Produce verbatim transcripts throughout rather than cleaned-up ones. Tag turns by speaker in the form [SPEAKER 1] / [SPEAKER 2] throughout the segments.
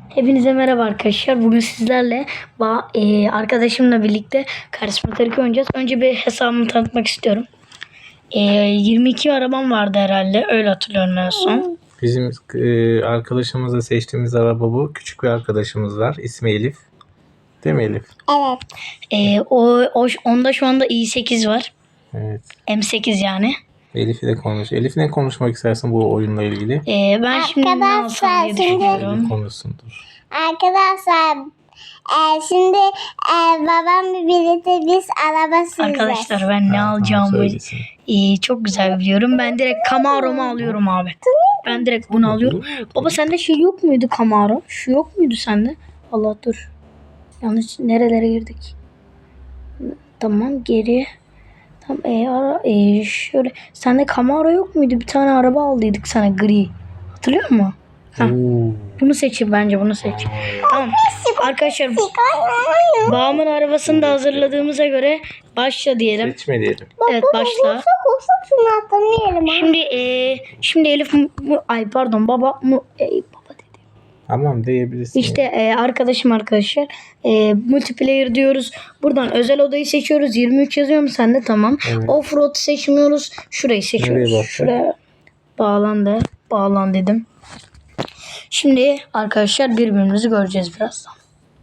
[SPEAKER 1] Hepinize merhaba arkadaşlar. Bugün sizlerle e, arkadaşımla birlikte Karismatik oynayacağız. Önce bir hesabımı tanıtmak istiyorum. E, yirmi iki arabam vardı herhalde. Öyle hatırlıyorum en son.
[SPEAKER 2] Bizim e, arkadaşımızla seçtiğimiz araba bu. Küçük bir arkadaşımız var. İsmi Elif. Değil mi Elif?
[SPEAKER 3] Evet.
[SPEAKER 1] E, o, o onda şu anda i sekiz var.
[SPEAKER 2] Evet.
[SPEAKER 1] M sekiz yani.
[SPEAKER 2] Elif ile konuş. Elif ne konuşmak istersin bu oyunla ilgili?
[SPEAKER 1] E, ben şimdi ne alsam diye düşünüyorum.
[SPEAKER 2] Elif konuşsundur.
[SPEAKER 3] Arkadaşlar e, şimdi e, babam birlikte biz araba süreceğiz.
[SPEAKER 1] Arkadaşlar ben ne
[SPEAKER 2] Ha,
[SPEAKER 1] alacağımı
[SPEAKER 2] tamam,
[SPEAKER 1] e, çok güzel biliyorum. Ben direkt Camaro'mu alıyorum abi. Ben direkt bunu alıyorum. Baba sende şey yok muydu Camaro? Şu yok muydu sende? Allah dur. Yanlış nerelere girdik? Tamam geri. Tamam e, ara, e, şöyle. Sende Camaro yok muydu? Bir tane araba aldıydık sana gri. Hatırlıyor musun? Ha. Bunu seçin bence bunu seç. Tamam. Arkadaşlar babamın arabasını da hazırladığımıza göre başla diyelim.
[SPEAKER 2] Seçme diyelim.
[SPEAKER 1] Evet başla.
[SPEAKER 3] Olsa şunu atlamayalım.
[SPEAKER 1] Şimdi e, şimdi Elif mu, mu- ay pardon baba mu e, baba dedi.
[SPEAKER 2] Tamam diyebilirsin.
[SPEAKER 1] İşte e, arkadaşım arkadaşlar e, multiplayer diyoruz. Buradan özel odayı seçiyoruz. yirmi üç yazıyor mu sende? Tamam.
[SPEAKER 2] Evet.
[SPEAKER 1] Offroad seçmiyoruz. Şurayı seçiyoruz.
[SPEAKER 2] Nereye bastın?
[SPEAKER 1] Şuraya bağlan de. Bağlan dedim. Şimdi arkadaşlar birbirimizi göreceğiz birazdan.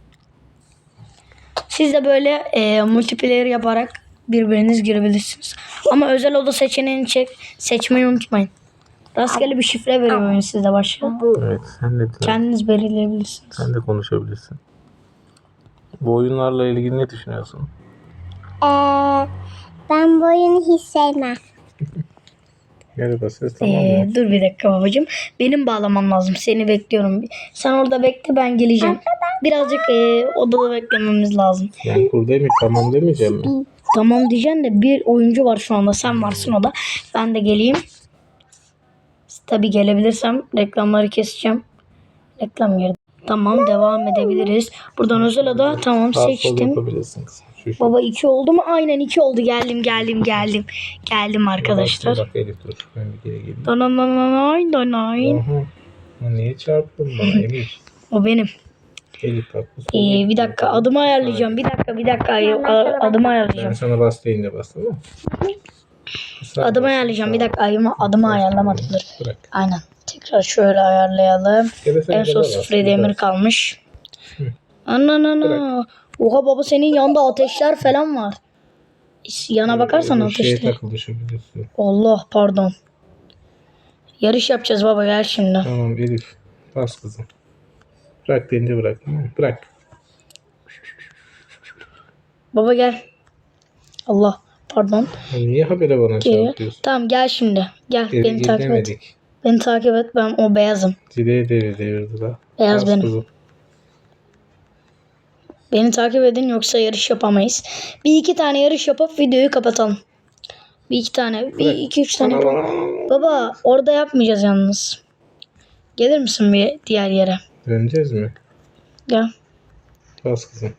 [SPEAKER 1] Siz de böyle e, multiplayer yaparak birbiriniz girebilirsiniz. Ama özel oda seçeneğini çek, seçmeyi unutmayın. Rastgele bir şifre veriyor oyun size başka.
[SPEAKER 2] Evet, sen de
[SPEAKER 1] Kendiniz belirleyebilirsiniz.
[SPEAKER 2] sen de konuşabilirsin. Bu oyunlarla ilgili ne düşünüyorsun?
[SPEAKER 3] Ee, ben bu oyunu hiç sevmem.
[SPEAKER 2] Merhaba ses tamam mı?
[SPEAKER 1] Ee, dur bir dakika babacığım. Benim bağlamam lazım. Seni bekliyorum. Sen orada bekle ben geleceğim. Birazcık e, odada beklememiz lazım.
[SPEAKER 2] Ben buradayım mı? Tamam demeyeceğim mi?
[SPEAKER 1] Tamam diyeceksin de bir oyuncu var şu anda. Sen varsın o da. Ben de geleyim. Tabii gelebilirsem reklamları keseceğim. Reklam girdi. Tamam devam edebiliriz. Buradan özel oda tamam
[SPEAKER 2] Sağ sol
[SPEAKER 1] seçtim.
[SPEAKER 2] yapabilirsin kızım. Şu şu.
[SPEAKER 1] Baba iki oldu mu? Aynen iki oldu. Geldim geldim geldim. Geldim arkadaşlar.
[SPEAKER 2] Bak Elif dur. Ben bir geri geleyim.
[SPEAKER 1] Donanay donay.
[SPEAKER 2] Aha. Ya niye çarptın bana Emir?
[SPEAKER 1] O benim.
[SPEAKER 2] Elif bak. bu sol
[SPEAKER 1] Ee,
[SPEAKER 2] Elif.
[SPEAKER 1] bir dakika adımı ayarlayacağım. Bir dakika bir dakika A- adımı
[SPEAKER 2] Ben
[SPEAKER 1] ayarlayacağım.
[SPEAKER 2] sana bas deyince bas tamam mı? Sağ
[SPEAKER 1] Adımı
[SPEAKER 2] bas,
[SPEAKER 1] ayarlayacağım.
[SPEAKER 2] sağ
[SPEAKER 1] Bir dakika adımı, adımı ayarlamadım. Dur.
[SPEAKER 2] Bırak.
[SPEAKER 1] Aynen. Tekrar şöyle ayarlayalım.
[SPEAKER 2] Ya da sen
[SPEAKER 1] En son
[SPEAKER 2] gaza bas,
[SPEAKER 1] sıfır yedi emir
[SPEAKER 2] bas.
[SPEAKER 1] kalmış.
[SPEAKER 2] Hı.
[SPEAKER 1] Ana ana ana. Oha baba senin yanında ateşler falan var. Yana bakarsan
[SPEAKER 2] Bu şeye
[SPEAKER 1] ateşler.
[SPEAKER 2] takıldı şu biliyorsun.
[SPEAKER 1] Allah pardon. Yarış yapacağız baba gel şimdi.
[SPEAKER 2] Tamam Elif. Bas kızım. Bırak deyince bırak. Tamam mı? Bırak.
[SPEAKER 1] Baba gel. Allah pardon.
[SPEAKER 2] Ya niye habere bana
[SPEAKER 1] Geliyor.
[SPEAKER 2] çarpıyorsun?
[SPEAKER 1] Tamam gel şimdi. Gel
[SPEAKER 2] Geri
[SPEAKER 1] beni takip et.
[SPEAKER 2] gidemedik.
[SPEAKER 1] Beni takip et ben o beyazım.
[SPEAKER 2] Zileye devir devirdi la.
[SPEAKER 1] Beyaz
[SPEAKER 2] Bas
[SPEAKER 1] benim.
[SPEAKER 2] kızım.
[SPEAKER 1] Beni takip edin yoksa yarış yapamayız. Bir iki tane yarış yapıp videoyu kapatalım. Bir iki tane, bir iki üç tane yapalım. Baba orada yapmayacağız yalnız. Gelir misin bir diğer yere?
[SPEAKER 2] Döneceğiz mi?
[SPEAKER 1] Gel.
[SPEAKER 2] Bas kızım.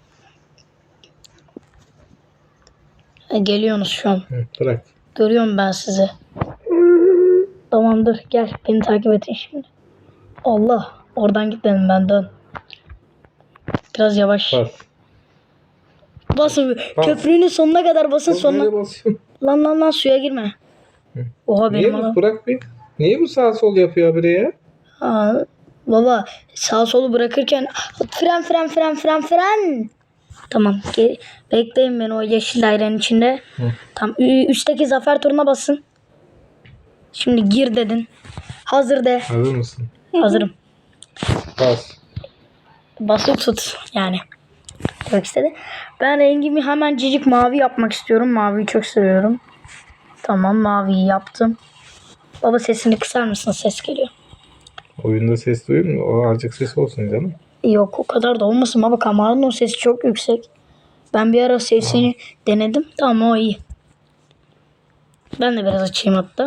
[SPEAKER 1] E, geliyorsunuz şu an.
[SPEAKER 2] Hı, bırak.
[SPEAKER 1] Görüyorum ben sizi. Tamamdır gel beni takip edin şimdi. Allah oradan gitmedim ben dön. Biraz yavaş.
[SPEAKER 2] Bas.
[SPEAKER 1] Basın
[SPEAKER 2] Bas.
[SPEAKER 1] köprünün sonuna kadar basın
[SPEAKER 2] Oğlum,
[SPEAKER 1] sonuna.
[SPEAKER 2] nereye basıyorsun?
[SPEAKER 1] Lan lan lan suya girme.
[SPEAKER 2] Hı.
[SPEAKER 1] Oha
[SPEAKER 2] Niye
[SPEAKER 1] benim
[SPEAKER 2] bu?
[SPEAKER 1] adam.
[SPEAKER 2] Bırak bir. Niye bu sağ sol yapıyor habire ya?
[SPEAKER 1] Aa, baba sağ solu bırakırken fren fren fren fren fren. Tamam ge- bekleyin beni o yeşil dairenin içinde.
[SPEAKER 2] Hı.
[SPEAKER 1] Tam ü- üstteki zafer turuna basın. Şimdi gir dedin. Hazır de.
[SPEAKER 2] Hazır mısın?
[SPEAKER 1] Hazırım.
[SPEAKER 2] Bas.
[SPEAKER 1] Basılı tut yani. Demek istedi. Ben rengimi hemen cicik mavi yapmak istiyorum. Maviyi çok seviyorum. Tamam maviyi yaptım. Baba sesini kısar mısın? Ses geliyor.
[SPEAKER 2] Oyunda ses duyuyor mu? O azıcık ses olsun canım.
[SPEAKER 1] Yok o kadar da olmasın baba. Kameranın o sesi çok yüksek. Ben bir ara sesini denedim. Tamam o iyi. Ben de biraz açayım hatta.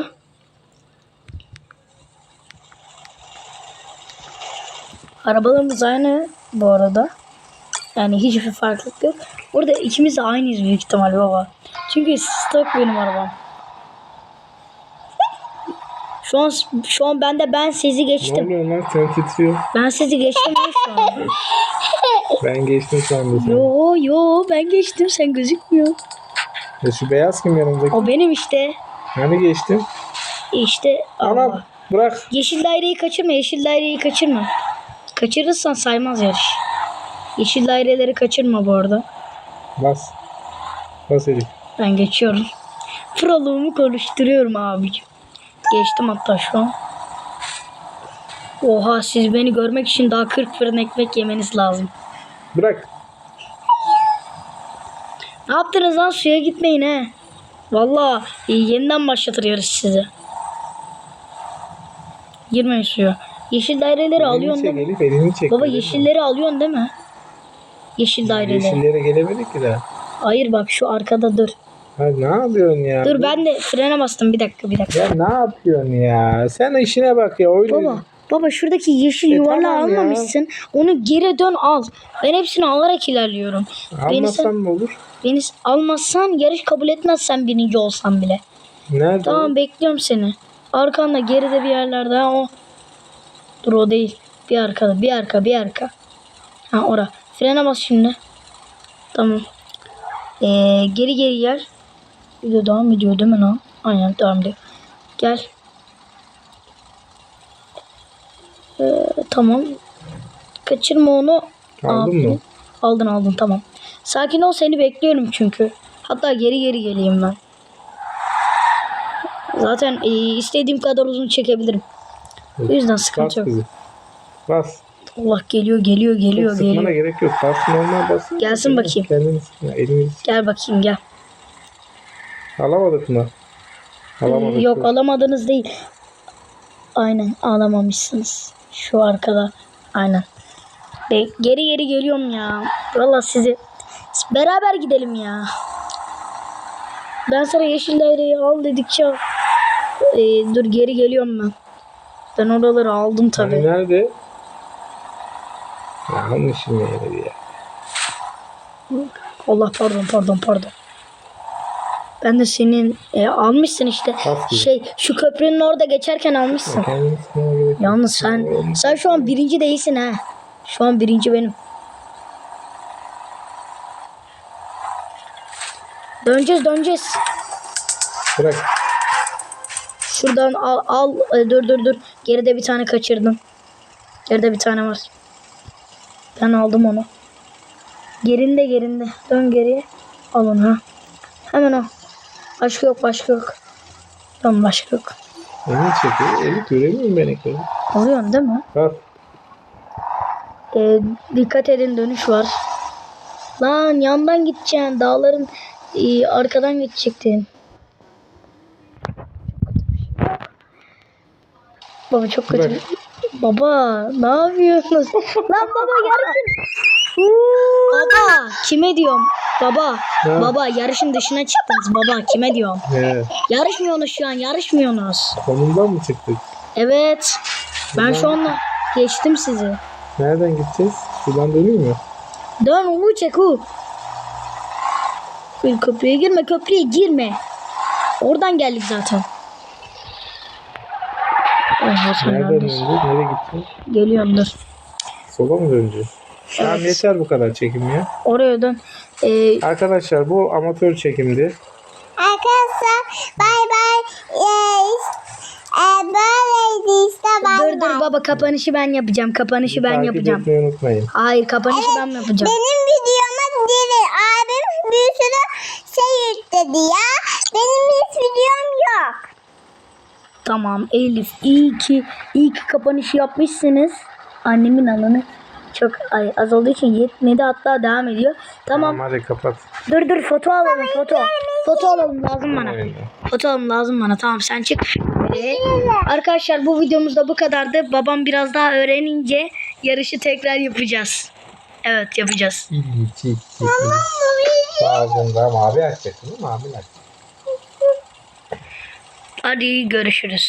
[SPEAKER 1] Arabalarımız aynı bu arada. Yani hiçbir farklılık yok. Burada ikimiz de aynıyız büyük ihtimal baba. Çünkü stok benim arabam. Şu an şu an ben de ben sizi
[SPEAKER 2] Ne
[SPEAKER 1] geçtim.
[SPEAKER 2] oluyor lan? Sen titriyor.
[SPEAKER 1] Ben sizi geçtim ya şu an.
[SPEAKER 2] Ben geçtim sandım seni.
[SPEAKER 1] Yo yo ben geçtim sen gözükmüyor.
[SPEAKER 2] Ya şu beyaz kim yanımdaki?
[SPEAKER 1] O benim işte.
[SPEAKER 2] Hani geçtin?
[SPEAKER 1] İşte Allah.
[SPEAKER 2] Anam bırak.
[SPEAKER 1] Yeşil daireyi kaçırma, yeşil daireyi kaçırma. Kaçırırsan saymaz yarış. Yeşil daireleri kaçırma bu arada.
[SPEAKER 2] Bas. Bas Elif.
[SPEAKER 1] Ben geçiyorum. Proluğumu konuşturuyorum abicim. Geçtim hatta şu an. Oha siz beni görmek için daha kırk fırın ekmek yemeniz lazım.
[SPEAKER 2] Bırak.
[SPEAKER 1] Ne yaptınız lan, suya gitmeyin he. Valla yeniden başlatır yarış sizi. Girmeyin suya. Yeşil daireleri
[SPEAKER 2] Elini
[SPEAKER 1] alıyorsun
[SPEAKER 2] çek
[SPEAKER 1] değil mi?
[SPEAKER 2] Elif, elini çek.
[SPEAKER 1] Baba
[SPEAKER 2] Değil mi?
[SPEAKER 1] yeşilleri alıyorsun değil mi? Yeşil daireleri.
[SPEAKER 2] Yeşillere gelemedik ki daha.
[SPEAKER 1] Hayır bak şu arkada dur.
[SPEAKER 2] Ha, ne yapıyorsun ya?
[SPEAKER 1] Dur ben de frene bastım bir dakika bir dakika.
[SPEAKER 2] Ya ne yapıyorsun ya? Sen işine bak ya. Oyunu...
[SPEAKER 1] Baba baba şuradaki yeşil
[SPEAKER 2] E,
[SPEAKER 1] yuvarlağı
[SPEAKER 2] tamam ya.
[SPEAKER 1] almamışsın. Onu geri dön al. Ben hepsini alarak ilerliyorum. Beni,
[SPEAKER 2] Almasan
[SPEAKER 1] sen,
[SPEAKER 2] mı olur?
[SPEAKER 1] beni almazsan yarış kabul etmezsen birinci olsan bile.
[SPEAKER 2] Nerede?
[SPEAKER 1] Tamam bekliyorum seni. Arkanda geride bir yerlerde ha, o. Dur o değil. Bir arkada bir arka bir arka. Ha ora. Frene bas şimdi. Tamam. Ee, geri geri gel. Video devam ediyor değil mi lan? Aynen devam ediyor. Gel. Ee, tamam. Kaçırma onu.
[SPEAKER 2] Aldın
[SPEAKER 1] Aferin.
[SPEAKER 2] mı?
[SPEAKER 1] Aldın aldın tamam. Sakin ol seni bekliyorum çünkü. Hatta geri geri geleyim ben. Zaten e, istediğim kadar uzun çekebilirim. O yüzden
[SPEAKER 2] Bas
[SPEAKER 1] sıkıntı yok.
[SPEAKER 2] kızı. Bas.
[SPEAKER 1] Allah geliyor geliyor geliyor
[SPEAKER 2] Çok sıkmana
[SPEAKER 1] geliyor.
[SPEAKER 2] gerek yok. Bas normal bas.
[SPEAKER 1] Gelsin bakayım.
[SPEAKER 2] Kendini sıkma. Elini
[SPEAKER 1] Gel bakayım gel.
[SPEAKER 2] alamadık mı? Alamadık.
[SPEAKER 1] Ee, yok alamadınız değil. Aynen alamamışsınız. Şu arkada. Aynen. Be geri geri geliyorum ya. Valla sizi beraber gidelim ya. Ben sana yeşil daireyi al dedikçe ee, dur geri geliyorum ben. Ben oraları aldım tabi.
[SPEAKER 2] Hani nerede? Yanlışım yeri ya.
[SPEAKER 1] Allah pardon pardon pardon. Ben de senin e, almışsın işte.
[SPEAKER 2] Bas gibi.
[SPEAKER 1] Şey şu köprünün orada geçerken almışsın.
[SPEAKER 2] Kendini sıkmana gerek yok.
[SPEAKER 1] Yalnız sen sen şu an birinci değilsin ha. Şu an birinci benim. Döneceğiz döneceğiz.
[SPEAKER 2] Bırak.
[SPEAKER 1] Şuradan al al e, dur dur dur. Geride bir tane kaçırdım. Geride bir tane var. Ben aldım onu. Gerinde gerinde. Dön geriye. Al onu ha. Hemen o. Başka yok başka yok. Tamam başka yok.
[SPEAKER 2] Elini çekiyor. Eli göremiyorum ben ekranı.
[SPEAKER 1] Alıyorsun değil mi?
[SPEAKER 2] Bas.
[SPEAKER 1] Ee, dikkat edin dönüş var. Lan yandan gideceksin. Dağların e, arkadan geçecektin. Baba çok kötü.
[SPEAKER 2] Bırak.
[SPEAKER 1] Baba ne yapıyorsunuz? Lan baba yarışın. Baba kime diyorum? Baba
[SPEAKER 2] Ha.
[SPEAKER 1] baba yarışın dışına çıktınız baba kime diyorum?
[SPEAKER 2] He.
[SPEAKER 1] Yarışmıyorsunuz şu an yarışmıyorsunuz.
[SPEAKER 2] Konumdan mı çıktık?
[SPEAKER 1] Evet. Ben şu anda geçtim sizi.
[SPEAKER 2] Nereden gideceğiz? Şuradan dönüyor mu?
[SPEAKER 1] Dön ulu çek u. Bir köprüye girme köprüye girme. Oradan geldik zaten. Oha sen
[SPEAKER 2] Nereden
[SPEAKER 1] neredesin?
[SPEAKER 2] döneceğiz? Nereye gideceğiz?
[SPEAKER 1] Geliyorum dur.
[SPEAKER 2] Sola mı döneceğiz? Tamam
[SPEAKER 1] Evet.
[SPEAKER 2] yeter bu kadar çekim ya.
[SPEAKER 1] Oraya dön. Ee,
[SPEAKER 2] Arkadaşlar bu amatör çekimdi.
[SPEAKER 3] Arkadaşlar bay bay. Ee, e, böyleydi işte bay
[SPEAKER 1] dur
[SPEAKER 3] bay.
[SPEAKER 1] dur baba kapanışı ben yapacağım. Kapanışı ben
[SPEAKER 2] Takip
[SPEAKER 1] yapacağım.
[SPEAKER 2] etmeyi unutmayın.
[SPEAKER 1] Hayır kapanışı ben yapacağım.
[SPEAKER 3] Benim videoma değil. Abim bir sürü şey yükledi ya. Benim hiç videom yok.
[SPEAKER 1] Tamam Elif iyi ki iyi ki kapanışı yapmışsınız. Annemin alanı çok ay, az olduğu için yetmedi hatta devam ediyor. Tamam.
[SPEAKER 2] Tamam hadi kapat.
[SPEAKER 1] Dur dur foto alalım foto. Foto alalım lazım bana.
[SPEAKER 2] Aynen.
[SPEAKER 1] Foto alalım lazım bana. Tamam sen çık. Ee, arkadaşlar bu videomuz da bu kadardı. Babam biraz daha öğrenince yarışı tekrar yapacağız. Evet yapacağız.
[SPEAKER 2] İyi, çek, çek. Ağzında mavi açacaksın değil mi? Mavi açacaksın.
[SPEAKER 1] Hadi görüşürüz.